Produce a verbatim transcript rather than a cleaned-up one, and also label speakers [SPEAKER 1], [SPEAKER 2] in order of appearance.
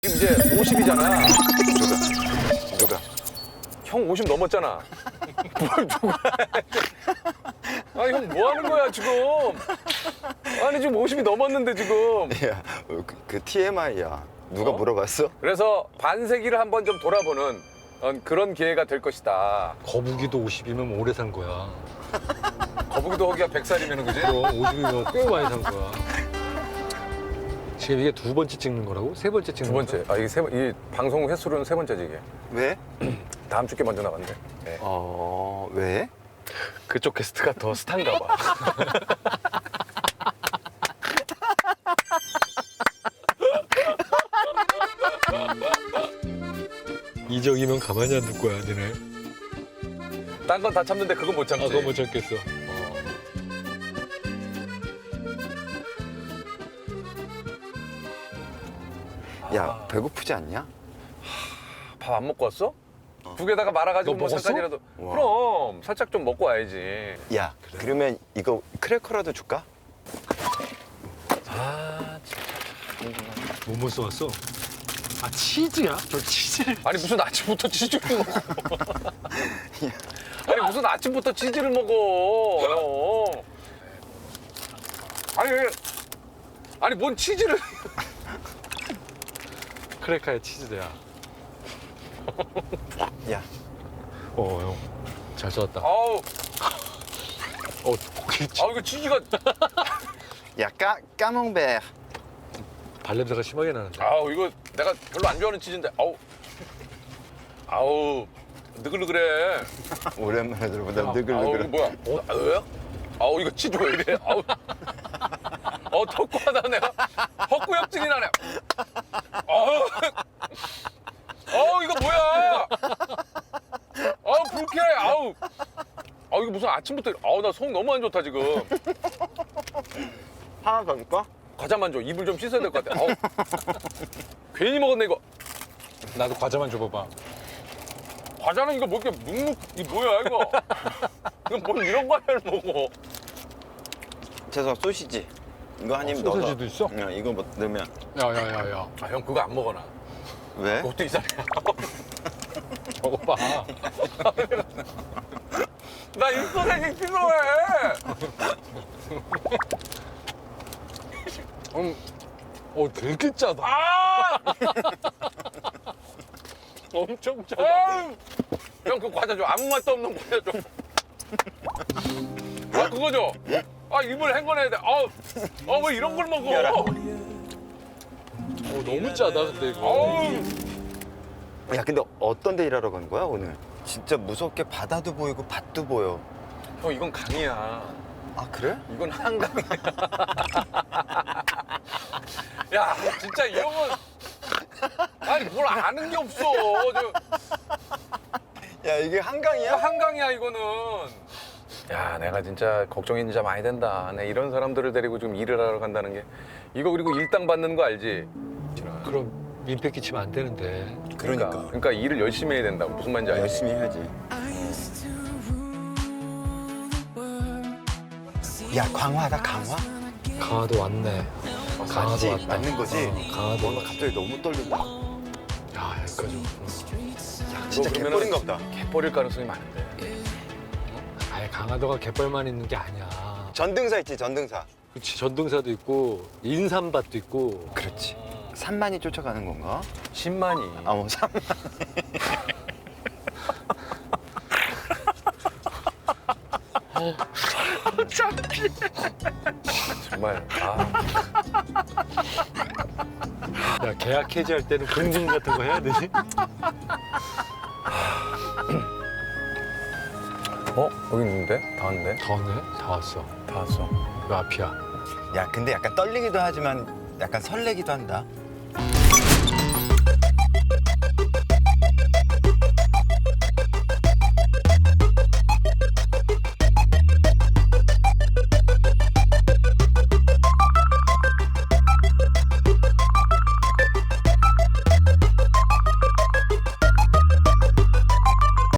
[SPEAKER 1] 지금 이제 오십이잖아.
[SPEAKER 2] 누가? 누가?
[SPEAKER 1] 형 오십 넘었잖아. 뭘 누가? 아니 형 뭐 하는 거야 지금? 아니 지금 오십이 넘었는데 지금.
[SPEAKER 2] 야, 그, 그 티엠아이야. 누가
[SPEAKER 1] 어?
[SPEAKER 2] 물어봤어?
[SPEAKER 1] 그래서 반세기를 한번 좀 돌아보는 어, 그런 기회가 될 것이다.
[SPEAKER 3] 거북이도 오십이면 오래 산 거야.
[SPEAKER 1] 거북이도 허기가 백 살이면 그지?
[SPEAKER 3] 그럼 오십이면 꽤 많이 산 거야. 지금 이게 두 번째 찍는 거라고? 세 번째 찍는
[SPEAKER 1] 두 번째.
[SPEAKER 3] 거야?
[SPEAKER 1] 아 이게 세 번, 이 방송 횟수로는 세 번째지 이게.
[SPEAKER 2] 왜?
[SPEAKER 1] 다음 주께 먼저 나간대. 네.
[SPEAKER 2] 어, 왜?
[SPEAKER 1] 그쪽 게스트가 더 스타인가 봐.
[SPEAKER 3] 이적이면 가만히 안 둘 거야, 너네.
[SPEAKER 1] 딴 건 다 참는데 그건 못 참지.
[SPEAKER 3] 아, 그거 못 참겠어.
[SPEAKER 2] 야, 배고프지 않냐?
[SPEAKER 1] 밥 안 먹고 왔어? 국에다가 말아가지고
[SPEAKER 3] 너
[SPEAKER 1] 뭐
[SPEAKER 3] 먹었어?
[SPEAKER 1] 잠깐이라도.
[SPEAKER 2] 와.
[SPEAKER 1] 그럼 살짝 좀 먹고 와야지.
[SPEAKER 2] 야, 그러면 이거 크래커라도 줄까?
[SPEAKER 1] 아 진짜.
[SPEAKER 3] 뭐뭐 써왔어? 아, 치즈야? 저 치즈를.
[SPEAKER 1] 아니 무슨 아침부터 치즈를 먹어? 아니 무슨 아침부터 치즈를 먹어? 형. 아니 왜- 아니 뭔 치즈를?
[SPEAKER 3] 크래커에 치즈야.
[SPEAKER 2] 야,
[SPEAKER 3] 어, 형. 잘 써왔다.
[SPEAKER 1] 아우
[SPEAKER 3] 어, 고기 치-
[SPEAKER 1] 아우 이거 치즈가
[SPEAKER 2] 야, 까, 까몽베.
[SPEAKER 3] 발냄새가 심하게 나는데.
[SPEAKER 1] 아우 이거 내가 별로 안 좋아하는 치즈인데 아우 아우 느글느글해.
[SPEAKER 2] 오랜만에 들어보다
[SPEAKER 1] 아우
[SPEAKER 2] 느글느글.
[SPEAKER 1] 이거 뭐야? 어, 아, 왜? 아우 이거 치즈 왜 이래? 아우 어 턱구하다 내가 헛구역질이 나네. 아우 아우 이거 뭐야? 아우 불쾌해. 아우 아우 이거 무슨 아침부터 아우 나 속 너무 안 좋다 지금.
[SPEAKER 2] 하나 더 줄까?
[SPEAKER 1] 과자만 줘. 입을 좀 씻어야 될 것 같아. 아우 괜히 먹었네 이거.
[SPEAKER 3] 나도 과자만 줘봐봐.
[SPEAKER 1] 과자는 이거 뭐 이렇게 눅눅 이 뭐야 이거? 이거 뭘 이런 과자를 먹어?
[SPEAKER 2] 죄송, 소시지. 이거 한 입
[SPEAKER 3] 어,
[SPEAKER 2] 넣어서.
[SPEAKER 3] 소시지도 있어?
[SPEAKER 2] 야, 이거 뭐 넣으면.
[SPEAKER 3] 야, 야, 야, 야.
[SPEAKER 1] 아 형 그거 안 먹어나?
[SPEAKER 2] 왜?
[SPEAKER 1] 그것도 이상해.
[SPEAKER 3] 먹어봐.
[SPEAKER 1] 나 입소생이 필요해.
[SPEAKER 3] 음, 어, 되게 짜다.
[SPEAKER 1] 아!
[SPEAKER 3] 엄청 짜다.
[SPEAKER 1] 형 그 과자 줘. 아무 맛도 없는 과자 줘. 아 그거 줘. 아 입을 헹궈내야 돼. 아우, 아왜 이런 걸 먹어?
[SPEAKER 3] 어, 너무 짜다, 근데 이거.
[SPEAKER 1] 아우,
[SPEAKER 2] 야, 근데 어떤 데 일하러 간 거야, 오늘? 진짜 무섭게 바다도 보이고 밭도 보여.
[SPEAKER 1] 형 이건 강이야.
[SPEAKER 2] 아, 그래?
[SPEAKER 1] 이건 한강이야. 야 진짜 이 형은 아니 뭘 아는 게 없어. 저,
[SPEAKER 2] 야, 이게 한강이야?
[SPEAKER 1] 이거 한강이야 이거는. 야 내가 진짜 걱정이 진짜 많이 된다. 내 이런 사람들을 데리고 지금 일을 하러 간다는 게 이거 그리고 일당 받는 거 알지?
[SPEAKER 3] 그럼 민폐 끼치면 안 되는데.
[SPEAKER 1] 그러니까 그러니까 일을 열심히 해야 된다고. 무슨 말인지 알지?
[SPEAKER 2] 열심히 해야지. 야, 강화다, 강화?
[SPEAKER 3] 강화도 왔네. 강화도
[SPEAKER 2] 맞지?
[SPEAKER 3] 왔다.
[SPEAKER 2] 맞는 거지?
[SPEAKER 3] 어, 강화도
[SPEAKER 2] 어, 나
[SPEAKER 3] 왔다.
[SPEAKER 2] 갑자기 너무 떨린다.
[SPEAKER 3] 야, 여기까지 왔구나.
[SPEAKER 2] 진짜
[SPEAKER 1] 그러면은
[SPEAKER 2] 개뿔인가 보다.
[SPEAKER 1] 개버릴 가능성이 많은데.
[SPEAKER 3] 아예 강화도가 갯벌만 있는 게 아니야.
[SPEAKER 2] 전등사 있지, 전등사.
[SPEAKER 3] 그렇지, 전등사도 있고 인삼밭도 있고.
[SPEAKER 2] 그렇지. 산만이 쫓아가는 건가?
[SPEAKER 1] 십만이.
[SPEAKER 2] 아, 뭐 산만.
[SPEAKER 1] 정말 아
[SPEAKER 3] 야, 계약 해지할 때는 공증 같은 거 해야 되지?
[SPEAKER 1] 어? 여기 있는데? 다 왔네?
[SPEAKER 3] 다 왔네? 다 왔어.
[SPEAKER 1] 다 왔어.
[SPEAKER 3] 그 앞이야.
[SPEAKER 2] 야, 근데 약간 떨리기도 하지만 약간 설레기도 한다.